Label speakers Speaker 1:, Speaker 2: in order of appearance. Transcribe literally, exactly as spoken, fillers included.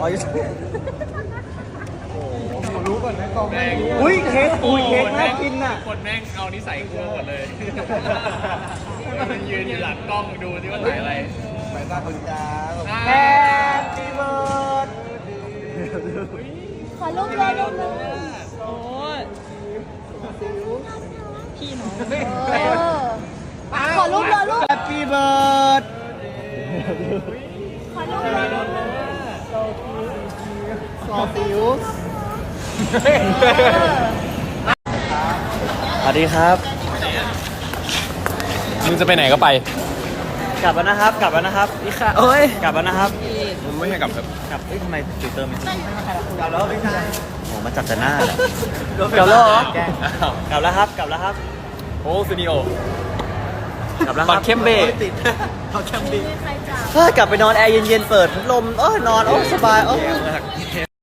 Speaker 1: อ๋อยูทูบ
Speaker 2: รู้ก่อนนะกองแม่ง
Speaker 1: อุ้ยเค้กอุ้ยเค้กน่ากินน่ะ
Speaker 3: คนแม่งเอานิสัยกูหมดเลยมันยืนอยู่หลังกล้องดูที่ว่าถ่ายอะไร
Speaker 2: ไปสร้างคนจ้า
Speaker 1: แฮปปี้เบิร์ด
Speaker 4: ขอรูปเลยรูปเลย
Speaker 5: โอ้ยพี่น้อง
Speaker 4: เออขอรูปเลยรูป
Speaker 1: แฮปปี้เบิร์ด
Speaker 4: ขอรูปเลยรูปเลย
Speaker 1: ซอฟิว
Speaker 4: เออ
Speaker 1: สวัสดีครับ
Speaker 3: มึงจะไปไหนก็ไป
Speaker 1: กลับแล้วนะครับ กลับแล้วนะครับพี่ค่ะโอ้ยกลับแล้วนะครับ
Speaker 3: มึงไม่ให้กลับครับ
Speaker 1: กลับเอ้ยทำไมฟิลเตอร์ไม่ติดกลับแล้วพี่ชายโอ้มาจับแต่หน้าแหละกลับแล้วเหรอกลับแล้วครับ กลับแล้วครับ
Speaker 3: โอ้ซูนิโอก
Speaker 1: ลับแล้วครับ
Speaker 3: บัตรเข้มเบร
Speaker 1: ติดบัตรเข้มเบร
Speaker 4: ใครจับ
Speaker 1: เฮ้ยกลับไปนอนแอร์เย็นๆ เปิดพัดลมเออนอนโอ้สบายโอ้